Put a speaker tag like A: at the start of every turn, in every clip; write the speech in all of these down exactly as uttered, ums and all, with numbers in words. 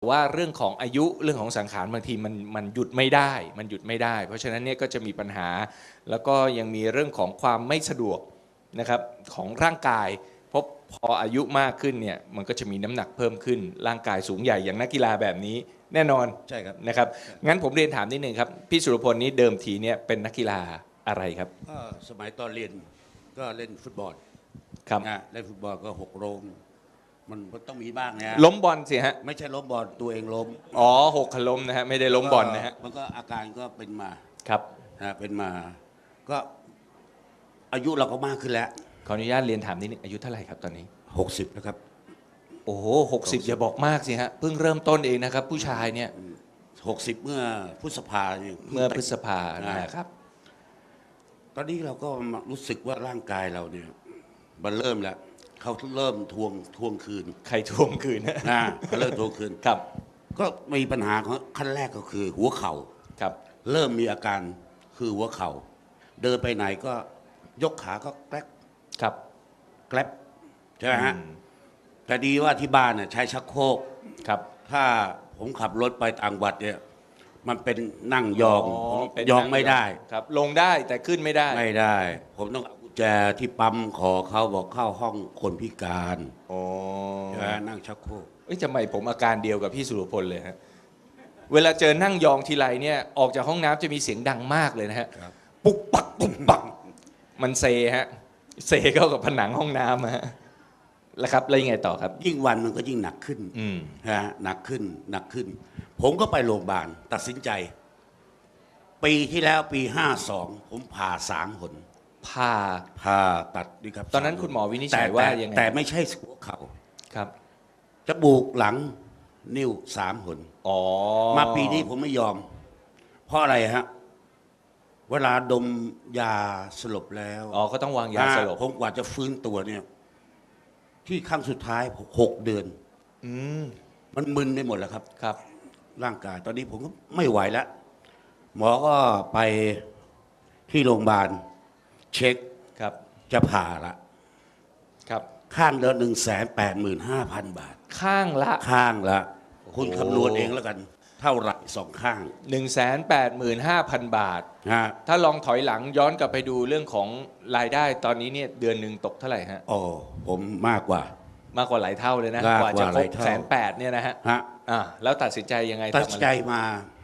A: ว่าเรื่องของอายุเรื่องของสังขารบางทีมันมันหยุดไม่ได้มันหยุดไม่ได้ เพราะฉะนั้นเนี่ยก็จะมีปัญหาแล้วก็ยังมีเรื่องของความไม่สะดวกนะครับของร่างกายเพราะพออายุมากขึ้นเนี่ยมันก็จะมีน้ำหนักเพิ่มขึ้นร่างกายสูงใหญ่อย่างนักกีฬาแบบนี้แน่นอน
B: ใช่ครับ
A: นะครับงั้นผมเรียนถามนิดนึงครับพี่สุรพลนี้เดิมทีเนี่ยเป็นนักกีฬาอะไรครับ
B: ก็สมัยตอนเรียนก็เล่นฟุตบอล
A: ครับ
B: นะเล่นฟุตบอลก็หกล้มมันต้องมีบ้างนะ
A: ล้มบอลสิฮะ
B: ไม่ใช่ล้มบอลตัวเองล้ม
A: อ๋อหกขล้มนะฮะไม่ได้ล้มบอลนะฮะ
B: มันก็อาการก็เป็นมา
A: ครับ
B: นะเป็นมาก็อายุเราก็มากขึ้นแล้ว
A: ขออนุญาตเรียนถามนิดนึงอายุเท่าไหร่ครับตอนนี้
B: หกสิบนะครับ
A: โอ้โหหกสิบอย่าบอกมากสิฮะเพิ่งเริ่มต้นเองนะครับผู้ชายเนี่ย
B: หกสิบเมื่อพฤษภาเนี่ย
A: เมื่อพฤษภานะครับ
B: ตอนนี้เราก็รู้สึกว่าร่างกายเราเนี่ยมันเริ่มแล้วเขาเริ่มทวงทวงคืน
A: ใครทวงคืนนะ
B: นะเขาเริ่มทวงคืน
A: ครับ
B: ก็มีปัญหาของขั้นแรกก็คือหัวเข่า
A: ครับ
B: เริ่มมีอาการคือหัวเข่าเดินไปไหนก็ยกขาก็แกลบ
A: ครับ
B: แกลบใช่ไหมฮะแต่ดีว่าที่บ้านเนี่ยใช้ชักโครก
A: ครับ
B: ถ้าผมขับรถไปต่างจังหวัดเนี่ยมันเป็นนั่งยอง
A: ผม
B: ยองไม่ได้
A: ครับลงได้แต่ขึ้นไม่ได้
B: ไม่ได้ ผมต้องเอากุญแจที่ปั๊มขอเขาบอกเข้าห้องคนพิการ
A: โอ้
B: ใช่นั่งชักโครก
A: เอ้ยทำไมผมอาการเดียวกับพี่สุรพลเลยฮะเวลาเจอนั่งยองทีไรเนี่ยออกจากห้องน้ำจะมีเสียงดังมากเลยนะฮะปุกปักปุกปักมันเซฮะเซเข้ากับผนังห้องน้ำฮะแล้วครับแล้วยังไงต่อครับ
B: ยิ่งวันมันก็ยิ่งหนักขึ้นฮะหนักขึ้นหนักขึ้น ผมก็ไปโรงพยาบาลตัดสินใจ ปีที่แล้วปีห้าสองผมผ่าสามหน
A: ผ่า
B: ผ่าตัดดีครับ
A: ตอนนั้นคุณหมอวินิจฉัยว่ายังไง
B: แต่ไม่ใช่หัวเข่า
A: ครับ
B: จมูกหลังนิ้วสามหน
A: อ๋อ
B: มาปีนี้ผมไม่ยอม เพราะอะไรฮะเวลาดมยาสลบแล้ว
A: อ๋อก็ต้องวางยาสลบ
B: ผมกว่าจะฟื้นตัวเนี่ยที่ครั้งสุดท้ายหกเดือน
A: อืม
B: มันมึนไปหมดแล้วครับ
A: ครับ
B: ร่างกายตอนนี้ผมก็ไม่ไหวแล้วหมอก็ไปที่โรงพยาบาลเช็ค
A: ครับ
B: จะผ่าละ
A: ครับ
B: ข้างเดือนหนึ่งแสนแปดหมื่นห้าพันบาท
A: ข้างละ
B: ข้างละคุณคำนวณเองแล้วกันเท่าไหร่สองข้าง
A: หนึ่งแสนแปดหมื่นห้าพันบาท
B: ฮะ
A: ถ้าลองถอยหลังย้อนกลับไปดูเรื่องของรายได้ตอนนี้เนี่ยเดือนหนึ่งตกเท่าไหร่ฮะ
B: โอ้ผมมากกว่าม
A: ากกว่าหลายเท่าเลยนะกว่าจะครบแสนแปดเนี่ยนะฮะ
B: ฮะ
A: อ่าแล้วตัดสินใจยังไง
B: ตัดสินใจมา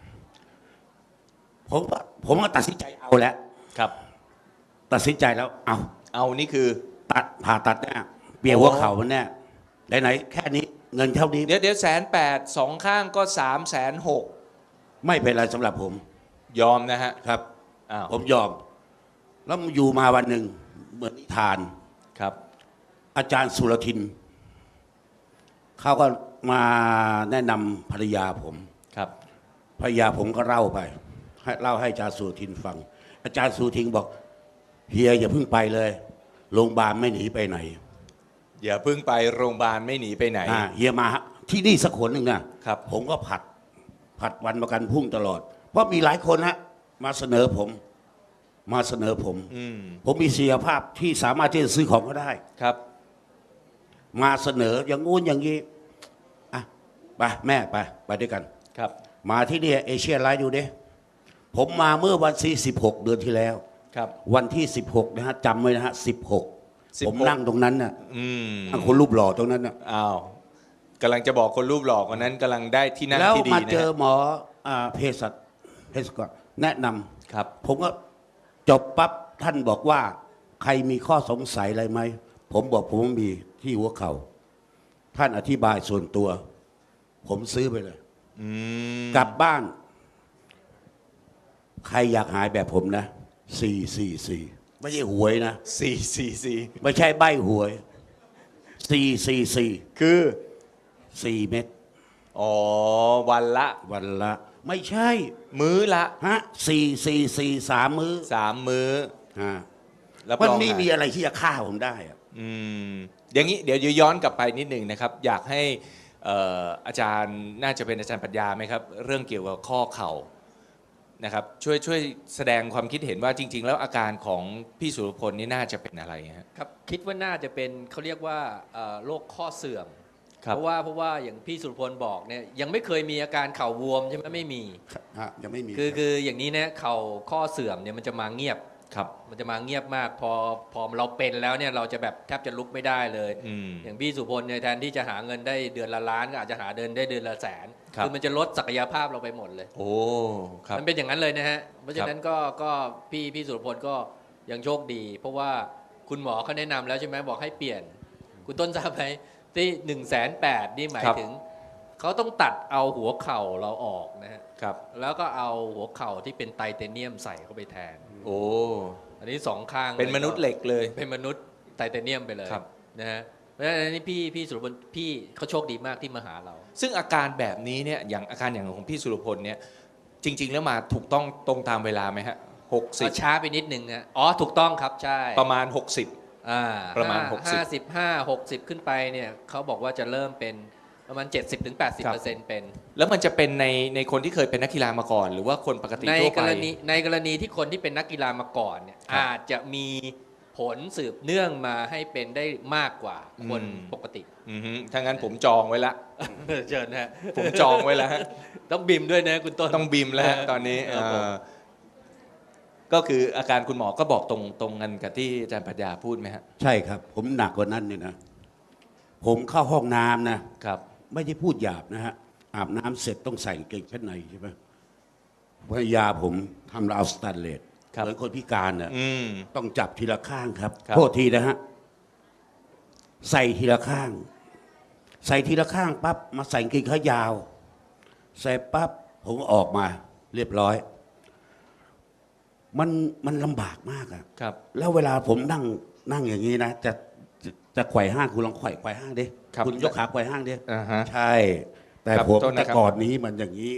B: ผมผมก็ตัดสินใจเอาแล้ว
A: ครับ
B: ตัดสินใจแล้วเอา
A: เอานี่คือ
B: ตัดผ่าตัดเนี่ยเปลี่ยนหัวเข่ามันเนี่ยไหนๆแค่นี้เงินเท่านี้
A: เดี๋ยวเดี๋ยวแสนแปดสองข้างก็สามแสนหก
B: ไม่เป็นไรสำหรับผม
A: ยอมนะฮะ
B: ครับผมยอมแล้วอยู่มาวันหนึ่งเหมือนนิทาน
A: ครับ
B: อาจารย์สุรทินเขาก็มาแนะนำภรรยาผม
A: ครับ
B: ภรรยาผมก็เล่าไปให้เล่าให้อาจารย์สุรทินฟังอาจารย์สุรทินบอกเฮียอย่าเพิ่งไปเลยโรงพยาบาลไม่หนีไปไหน
A: อย่าเพิ่งไปโรงพยาบาลไม่หนีไปไหน
B: เฮียมาที่นี่สักคนหนึ่งนะครับผมก็ผัดผัดวันประกันพรุ่งตลอดเพราะมีหลายคนฮะมาเสนอผมมาเสนอผมผมมีศักยภาพที่สามารถที่จะซื้อของก็ได้
A: ครับ
B: มาเสนออย่างงู้นอย่างนี้อ่ะไปแม่ไปไปด้วยกัน
A: ครับ
B: มาที่นี่เอเชียไลท์ดูดิผมมาเมื่อวันที่สิบหกเดือนที่แล้ว
A: ครับ
B: วันที่สิบหกนะฮะจำไว้นะฮะสิบหกผมนั่งตรงนั้นน่ะคนรูปหล่อตรงนั้นน่ะ
A: อ้าวกำลังจะบอกคนรูปหล่อคนนั้นกำลังได้ที่นั่งที่ดีนะ
B: แล้วมาเจอหมอเภสัชเภสัชกรแนะนำ
A: ครับ
B: ผมก็จบปั๊บท่านบอกว่าใครมีข้อสงสัยอะไรไหมผมบอกผมมีที่หัวเข่าท่านอธิบายส่วนตัวผมซื้อไปเลยกลับบ้านใครอยากหายแบบผมนะสี่สี่สี่ไม่ใช่หวยนะ
A: สี่สี่สี่
B: ไม่ใช่ใบหวยสี่สี่สี่
A: คือ
B: สี่เม็ด
A: อ๋อวันละ
B: วันละไม่ใช่
A: มื้อละ
B: ฮะสี่สี่สี่สามมื้อ
A: สามมื้อ
B: ฮะมันไม่มีอะไรที่จะฆ่าผมได้อะ
A: อืมอย่างนี้เดี๋ยวย้อนกลับไปนิดหนึ่งนะครับอยากให้อาจารย์น่าจะเป็นอาจารย์ปรัชญาไหมครับเรื่องเกี่ยวกับข้อเข่านะครับช่วยช่วยแสดงความคิดเห็นว่าจริงๆแล้วอาการของพี่สุรพลนี่น่าจะเป็นอะไรฮะ
C: ครับคิดว่าน่าจะเป็นเขาเรียกว่าโรคข้อเสื่อม
A: ครับ
C: เพราะว่าเพราะว่าอย่างพี่สุรพลบอกเนี่ยยังไม่เคยมีอาการเข่าบวมใช่ไหมไม่มี
B: ฮะยังไม่มี
C: คือ
B: รับ
C: คืออย่างนี้นะเข่าข้อเสื่อมเนี่ยมันจะมาเงียบ
A: ครับ
C: มันจะมาเงียบมาก พอพอเราเป็นแล้วเนี่ยเราจะแบบแทบจะลุกไม่ได้เลย
A: อืม
C: อย่างพี่สุพลเนี่ยแทนที่จะหาเงินได้เดือนละล้านก็อาจจะหาเดินได้เดือนละแสน
A: ครับ
C: มันจะลดศักยภาพเราไปหมดเลย
A: โอ้ครับ
C: มันเป็นอย่างนั้นเลยนะฮะ เพราะฉะนั้นก็ก็พี่พี่สุรพลก็ยังโชคดี เพราะว่าคุณหมอเขาแนะนำแล้วใช่ไหมบอกให้เปลี่ยน คุณต้นทราบไหมที่หนึ่งแสนแปดนี่หมาย
A: ครับ
C: ถึงเขาต้องตัดเอาหัวเข่าเราออกนะฮะ
A: ครับ
C: แล้วก็เอาหัวเข่าที่เป็นไทเทเนียมใส่เข้าไปแทน
A: โอ้
C: อันนี้สองข้าง
A: เป็นมนุษย์เหล็กเลย
C: เป็นมนุษย์ไทเทเนียมไปเลย
A: ครับ
C: นะฮะเพราะฉะนั้นอันนี้พี่พี่สุรพลพี่เขาโชคดีมากที่มาหาเรา
A: ซึ่งอาการแบบนี้เนี่ยอย่างอาการอย่างของพี่สุรพลเนี่ยจริง ๆ แล้วมาถูกต้องตรงตามเวลาไหมฮะหกสิบ
C: ช้าไปนิดนึงนะอ๋อถูกต้องครับใช่
A: ประมาณหกสิบ
C: อ่า
A: ประมาณหกสิบ
C: ห้าสิบห้า หกสิบขึ้นไปเนี่ยเขาบอกว่าจะเริ่มเป็นประมาณ เจ็ดสิบถึงแปดสิบเปอร์เซ็นต์ เป็น
A: แล้วมันจะเป็นในในคนที่เคยเป็นนักกีฬามาก่อน หรือว่าคนปกติ
C: ใน
A: ทั่ว
C: ก
A: ไป
C: รณีในกรณีที่คนที่เป็นนักกีฬามาก่อนเนี่ย
A: ครับ
C: อาจจะมีผลสืบเนื่องมาให้เป็นได้มากกว่าคน
A: อืม
C: ปกติ
A: อือฮึถ้างั้นผมจองไว้ละ
C: เชิญนะฮะ
A: ผมจองไว้แล้วฮะ
C: ต้องบิมด้วยนะคุณต้น
A: ต้องบิมแล้วฮะตอนนี้
C: ครับผม
A: เอ่อก็คืออาการคุณหมอก็บอกตรงตรงกันกับที่อาจารย์ปรัชญาพูดไหมฮะ
B: ใช่ครับ ผมหนักกว่านั้นเนี่ยนะ ผมเข้าห้องน้ำนะ
A: ครับ
B: ไม่ได้พูดหยาบนะฮะ อาบน้ำเสร็จต้องใส่กางเกงชั้นในใช่ไหมภรรยาผมทำราวสแตนเลส
A: ครับ
B: เหมือนคนพิการน่ะ
A: อืม
B: ต้องจับทีละข้างครับ
A: ครับ
B: โทษทีนะฮะ ใส่ทีละข้าง ใส่ทีละข้างปั๊บมาใส่กางเกงขายาว ใส่ปั๊บผมก็ออกมา เรียบร้อย มันมันลำบากมากอะ
A: ครับ
B: แล้วเวลาผมนั่งนั่งอย่างนี้นะจะจะจะไขว่ห้างคุณลองไขว่ไขว่ห้างดิ
A: ครับ
B: ณยกขาไขว่ห้างดิ
A: อ่าฮะ
B: ใช่ แต่
A: ครับ
B: ผม
A: โทษนะครับ
B: แต่ก่อนนี้มันอย่างนี้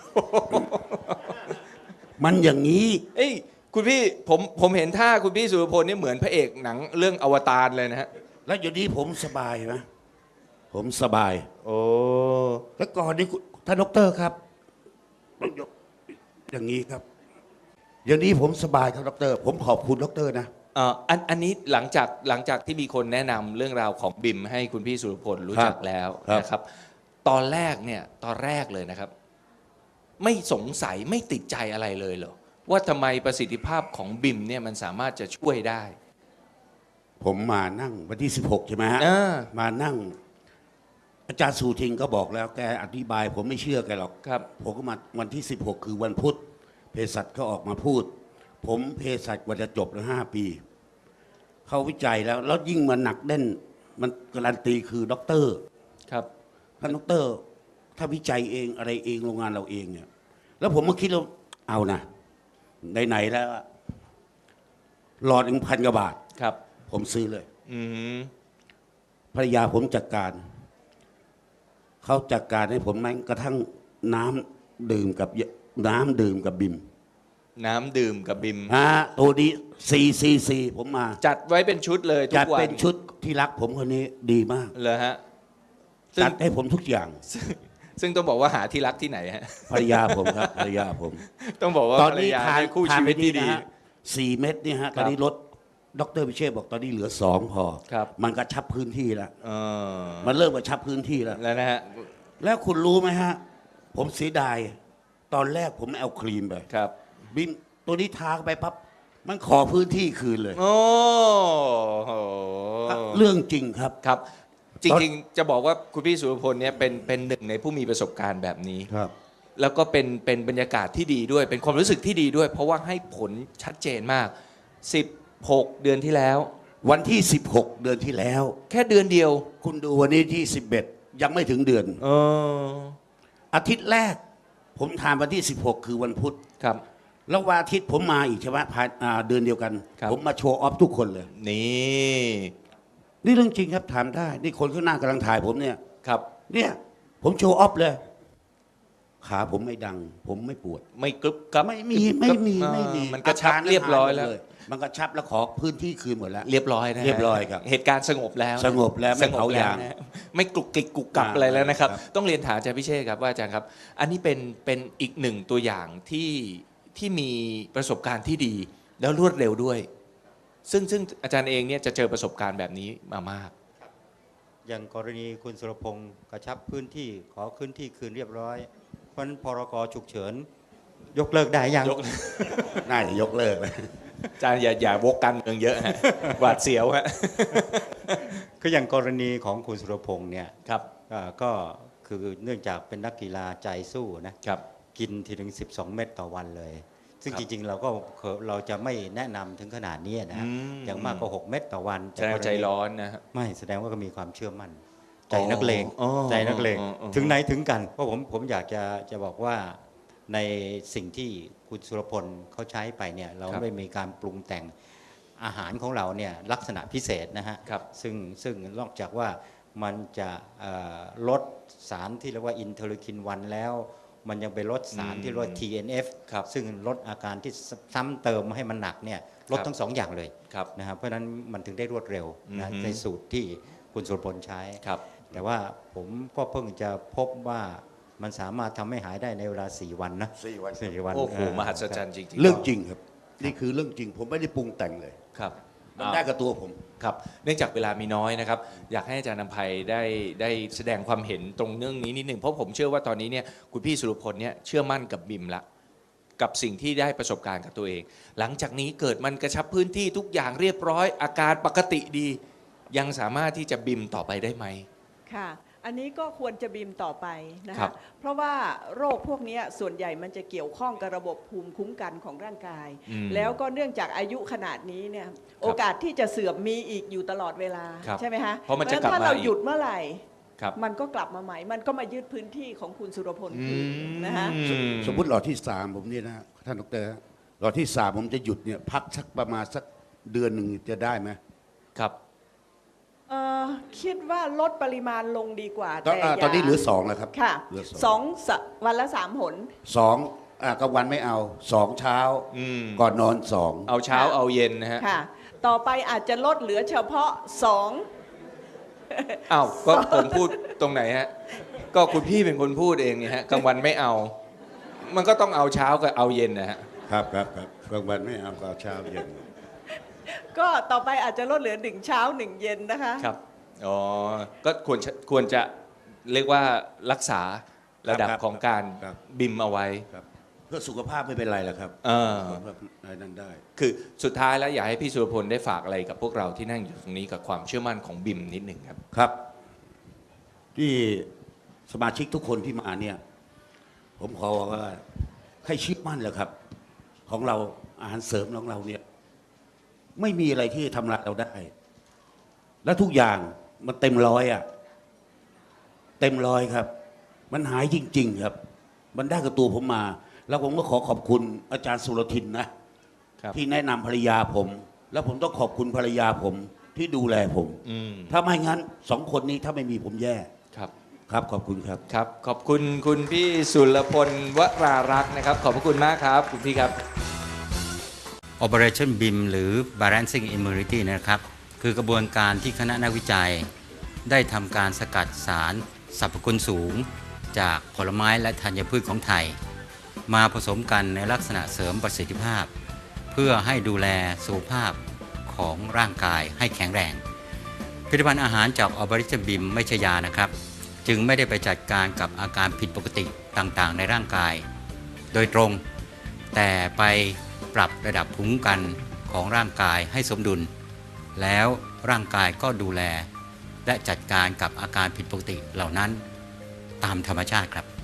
B: มันอย่างนี้
A: เอ้ยคุณพี่ผมผมเห็นท่าคุณพี่สุรพลเนี่ยเหมือนพระเอกหนังเรื่องอวตารเลยนะฮะ
B: แล้วอยู่นี้ผมสบายไหมผมสบาย
A: โอ้
B: แล้วก่อนนี้คุณท่านดอกเตอรครับต้องยกอย่างนี้ครับ อย่างนี้ผมสบายครับดอกเตอรผมขอบคุณดอกเตอรนะ
A: เอ่ออันอันนี้หลังจากหลังจากที่มีคนแนะนำเรื่องราวของบิมให้คุณพี่สุรพลรู้จักแล้ว
B: ครับ
A: นะครับ ตอนแรกเนี่ยตอนแรกเลยนะครับ ไม่สงสัยไม่ติดใจอะไรเลยเหรอว่าทำไมประสิทธิภาพของบิมเนี่ยมันสามารถจะช่วยได้
B: ผมมานั่งวันที่สิบหกใช่ไหมฮะ
A: อ่า
B: มานั่ง อาจารย์สูทิงก็บอกแล้วแกอธิบาย ผมไม่เชื่อแกหรอก
A: ครับ
B: ผมก็มาวันที่สิบหกคือวันพุธเภสัชก็ออกมาพูด ผมเภสัชกว่าจะจบแล้วห้าปี เขาวิจัยแล้ว แล้วยิ่งมันหนักแน่น มันการันตีคือด็อกเตอร์
A: ครับ
B: ท่านด็อกเตอร์ ถ้าวิจัยเองอะไรเองโรงงานเราเองเนี่ย แล้วผมก็คิดว่าเอานะไหนๆแล้วอะหลอดหนึ่งพันกว่าบาท
A: ครับ
B: ผมซื้อเลย
A: อืม
B: ภรรยาผมจัดการ เขาจัดการให้ผมแม้กระทั่งน้ำดื่มกับเยน้ำดื่มกับบิม
A: น้ำดื่มกับบิม
B: ฮะตัวนี้ซีซีซีผมมา
A: จัดไว้เป็นชุดเลยทุ
B: จัด
A: กวัน
B: เป็นชุดที่รักผมคนนี้ดีมาก
A: เลยฮะซึ่ง
B: จัดให้ผมทุกอย่าง
A: ซึ่งต้องบอกว่าหาที่รักที่ไหนฮะ
B: ภรรยาผมครับ ภรรยาผม
A: ต้องบอกว่า
B: ตอน
A: ภรร
B: นี้
A: ยา
B: ทาน
A: เป็นคู่
B: ทาน
A: ชี
B: ไป
A: วิต
B: นี่
A: ที่ดี
B: นะฮะสี่เม็ดเนี่ยฮะ
A: ค
B: ต
A: รับ
B: อนนี้ลดดรพิเชษบอกตอนนี้เหลือสองพอ
A: ครับ
B: มันกระชับพื้นที่แล้ว
A: เออ
B: มันเริ่มกระชับพื้นที่แล้ว
A: แล้วนะฮะ
B: แล้วคุณรู้ไหมฮะ ผมเสียดาย ตอนแรกผมไม่เอาครีมไป
A: ครับ
B: บิมตัวนี้ทาเข้าไปปั๊บมันขอพื้นที่คืนเลย
A: โอ้โห
B: เรื่องจริงครับ
A: ครับ จ
B: ตอน
A: ริงๆ จะบอกว่าคุณพี่สุรพลเนี่ยเป็นเป็นหนึ่งในผู้มีประสบการณ์แบบนี้
B: ครับ
A: แล้วก็เป็นเป็นบรรยากาศที่ดีด้วย เป็นความรู้สึกที่ดีด้วย เพราะว่าให้ผลชัดเจนมาก สิบหก เดือนที่แล้ว
B: วันที่สิบหกเดือนที่แล้ว
A: แค่เดือนเดียว
B: คุณดูวันนี้ที่สิบเอ็ดยังไม่ถึงเดือน
A: เออ
B: อาทิตย์แรก ผมทานวันที่สิบหกคือวันพุธ
A: ครับ
B: แล้ววันอาทิตย์ผมมาอีกใช่ไหมภายอ่าเดือนเดียวกัน
A: ครับ
B: ผมมาโชว์ออฟทุกคนเลย
A: นี่
B: นี่เรื่องจริงครับถามได้ นี่คนข้างหน้ากำลังถ่ายผมเนี่ย
A: ครับ
B: เนี่ย ผมโชว์ออฟเลย ขาผมไม่ดัง ผมไม่ปวด
A: ไม่กรึบกับ
B: ไม่มีไม่มีไม่มี
A: เออมันกระชับเรียบร้อยแล้ว
B: มันกระชับแล้วขอพื้นที่คืนหมดแล้ว
A: เรียบร้อยนะฮะ
B: เรียบร้อยครับ
A: เหตุการณ์สงบแล้วนะ
B: สงบแล้วไม่
A: สงบ
B: เผา
A: แล้ว
B: ยาง
A: นะไม่กลุกกิกกุกกับ
B: อ่า
A: อะไรแล้วนะครับ
B: ครับ
A: ต้องเรียนถามอาจารย์พิเชษครับว่าอาจารย์ครับ อันนี้เป็นเป็นอีกหนึ่งตัวอย่างที่ที่มีประสบการณ์ที่ดี แล้วรวดเร็วด้วย ซึ่งซึ่งอาจารย์เองเนี่ยจะเจอประสบการณ์แบบนี้มามาก
D: อย่างกรณีคุณสุรพงศ์กระชับพื้นที่ขอพื้นที่คืนเรียบร้อย เพราะฉะนั้นพรกฉุกเฉินยกเลิกได้ยัง
A: ยก
B: น่าจะยกเลิกเลย
A: อาจารย์อย่าอย่าวกการเมืองเยอะฮะ หวาดเสียวฮะ
D: ก็อย่างกรณีของคุณสุรพงศ์เนี่ย
A: ครับ
D: อ่าก็คือเนื่องจากเป็นนักกีฬาใจสู้นะครับ กินทีถึงสิบสองเม็ดต่อวันเลย ซึ่ง
A: ครับ
D: จริงๆ เราก็เราจะไม่แนะนำถึงขนาดนี้นะ
A: อืม
D: อย่างมากก็หกเม็ดต่อวัน
A: แสดงว่าใจร้อนนะฮะ
D: ไม่แสดงว่าก็มีความเชื่อมั่น
A: อ๋อ
D: ใจนักเลง
A: อ๋อ
D: ใจนักเลง
A: อ๋ออ๋อ
D: ถึงไหนถึงกันเพราะผมผมอยากจะจะบอกว่าในสิ่งที่คุณสุรพลเขาใช้ไปเนี่ยเราไม่มีการปรุงแต่งอาหารของเราเนี่ยลักษณะพิเศษนะฮะ
A: ครับ
D: ซึ่งซึ่งนอกจากว่ามันจะเอ่อลดสารที่เรียกว่าอินเทอร์คินวันแล้ว มันยังไปลดสารที่เรียกว่า ที เอ็น เอฟ
A: ครับ
D: ซึ่งลดอาการที่ซ้ำเติมให้มันหนักเนี่ยลด
A: ครับ
D: ทั้งสองอย่างเลย
A: ครับ
D: นะครับเพราะฉะนั้นมันถึงได้รวดเร็วนะ
A: อือฮึ
D: ในสูตรที่คุณสุรพลใช้
A: ครับ
D: แต่ว่าผมก็เพิ่งจะพบว่ามันสามารถทำให้หายได้ในเวลาสี่วันนะ
B: สี่วัน
D: สี่วัน
A: โอ้โห
D: เ
A: มหัศจรรย์จริงๆ
B: เรื่องจริงครับ นี่คือเรื่องจริง ผมไม่ได้ปรุงแต่งเลย
A: ครับ
B: มันได้กับตัวผม
A: ครับ เนื่องจากเวลามีน้อยนะครับ อยากให้อาจารย์นำภัยได้ได้แสดงความเห็นตรงเรื่องนี้นิดหนึ่งเพราะผมเชื่อว่าตอนนี้เนี่ยคุณพี่สุรพลเนี่ยเชื่อมั่นกับบิมละกับสิ่งที่ได้ประสบการณ์กับตัวเอง หลังจากนี้เกิดมันกระชับพื้นที่ทุกอย่างเรียบร้อย อาการปกติดี ยังสามารถที่จะบิมต่อไปได้ไหม
E: ค่ะ อันนี้ก็ควรจะบีมต่อไปนะ
A: ครั
E: คะ
A: บ
E: เพราะว่าโรคพวกเนี้ยส่วนใหญ่มันจะเกี่ยวข้องกับระบบภูมิคุ้มกันของร่างกาย
A: อืม
E: แล้วก็เนื่องจากอายุขนาดนี้เนี่ยโอกาสที่จะเสื่อมมีอีกอยู่ตลอดเวลา
A: ครับ
E: ใช่ไหมคะ
A: เพราะมันจะกลับ
E: ถ้า
A: มา
E: เรา
A: อีก
E: หยุดเมื่อไหร่
A: ครับ
E: มันก็กลับมาใหม่ มันก็มายึดพื้นที่ของคุณสุรพลคืนนะคะ
A: อื
B: สมมุติหลอดที่สามผมเนี่ยนะท่านดรฮะหลอดที่สามผมจะหยุดเนี่ยพักสักประมาณสักเดือนหนึ่งจะได้ไหม
A: ครับ
E: เอ่อคิดว่าลดปริมาณลงดีกว่า
B: ตอน
E: แต่
B: อ่า
E: ย่า
B: ตอนนี้เหลือสองแล้วครับ
E: ค่ะ
B: เหลือส
E: ส
B: อ
E: อง งสะวันละสามหน
B: สองอ่ากลางวันไม่เอาสองเช้า
A: อืม
B: ก่อนนอนสอง
A: เอาเช้า
E: ค่ะ
A: เอาเย็นนะฮะ
E: ค่ะ ต่อไปอาจจะลดเหลือเฉพาะสอง
A: อ้าวก็ผมพูดตรงไหนฮะ ก็คุณพี่เป็นคนพูดเองเนี่ยฮะกลางวันไม่เอา มันก็ต้องเอาเช้ากับเอาเย็นนะฮะ
B: ครับครับครับกลางวันไม่เอาก็เอาเช้าเย็น
E: ก็ต่อไปอาจจะลดเหลือหนึ่งเช้าหนึ่งเย็นนะคะ
A: ครับ อ๋อ ก็ควรจะควรจะเรียกว่ารักษาระดับ
B: ครับ
A: ของการ
B: ครับ
A: บิมเอาไว้
B: ครับเพื่อสุขภาพไม่เป็นไรหรอกครับ
A: เออ
B: สุขภาพอะไรนั่นได้
A: คือสุดท้ายแล้วอยากให้พี่สุรพลได้ฝากอะไรกับพวกเราที่นั่งอยู่ตรงนี้กับความเชื่อมั่นของบิมนิดหนึ่งครับ
B: ครับ ที่สมาชิกทุกคนที่มาเนี่ย ผมขอว่าให้เชื่อมั่นแหละครับ ของเราอาหารเสริมของเราเนี่ย ไม่มีอะไรที่จะทำลายเราได้ และทุกอย่างมันเต็มร้อยอะเต็มร้อยครับ มันหายจริง ๆ ครับ มันได้กับตัวผมมา แล้วผมก็ขอขอบคุณอาจารย์สุรทินนะ
A: ครับ
B: ที่แนะนำภรรยาผม แล้วผมต้องขอบคุณภรรยาผมที่ดูแลผม
A: อืม
B: ถ้าไม่งั้นสองคนนี้ถ้าไม่มีผมแย่
A: ครับ
B: ครับขอบคุณครับ
A: ครับ ขอบคุณคุณพี่สุรพลวรารักษ์นะครับ ขอบพระคุณมากครับ คุณพี่ครับ
D: Operation B I M หรือ Balancing Immunity นะครับ คือกระบวนการที่คณะนักวิจัย ได้ทำการสกัดสารสรรพคุณสูง จากผลไม้และธัญพืชของไทย มาผสมกันในลักษณะเสริมประสิทธิภาพ เพื่อให้ดูแลสุขภาพของร่างกายให้แข็งแรง ผลิตภัณฑ์อาหารจาก Operation B I M ไม่ใช่ยานะครับ จึงไม่ได้ไปจัดการกับอาการผิดปกติต่างๆ ในร่างกาย โดยตรง แต่ไปปรับระดับภูมิคุ้มกันของร่างกายให้สมดุล แล้วร่างกายก็ดูแล และจัดการกับอาการผิดปกติเหล่านั้นตามธรรมชาติครับ